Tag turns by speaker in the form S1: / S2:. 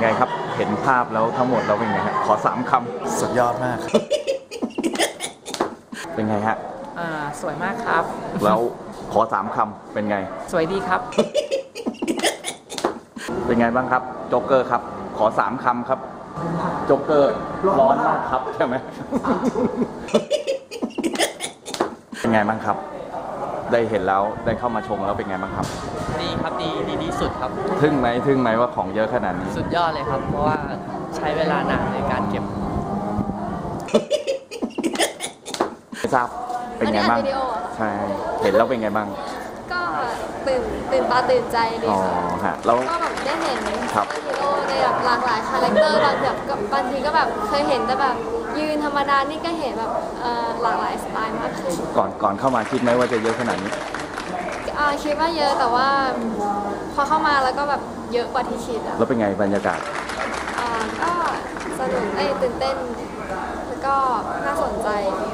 S1: ไงครับเห็นภาพแล้วทั้งหมดเราเป็นไงฮะขอ3 คำ
S2: สุดยอดมากครับ
S1: เป็นไงฮะ
S3: สวยมากครับ
S1: แล้วขอ3 คำเป็นไง
S3: สวยดีครับ
S1: เป็นไงบ้างครับโจ๊กเกอร์ครับขอ3 คำครับโจ๊กเกอร์ร้อนมากครับใช่ไหม เป็นไงบ้างครับได้เห็นแล้วได้เข้ามาชมแล้วเป็นไงบ้างครับ
S3: ดีครับดีที่สุดครับ
S1: ทึ่งไหมว่าของเยอะขนาดนี้
S3: สุดยอดเลยครับเพราะว่าใช้เวลานานในการเก็บ
S1: ไม่ทราบเป็นไงบ้างใช่เห็นแล้วเป็นไงบ้าง
S4: ก็ตื่นตาตื่นใจดี
S1: ค่ะแล้ว
S4: ก็แบบได้เห็นฮีโร่ในแบบหลากหลายคาแรคเตอร์บางทีก็แบบเคยเห็นแต่แบบยืนธรรมดานี่ก็เห็นแบบหลากหลายสไตล์มากขึ้น
S1: ก่อนเข้ามาคิดไหมว่าจะเยอะขนาดนี้
S4: คิดว่าเยอะแต่ว่าพอเข้ามาแล้วก็แบบเยอะกว่าที่คิดอะ
S1: แล้วเป็นไงบรรยากาศ
S4: ก็สนุกตื่นเต้นแล้วก็น่าสนใจ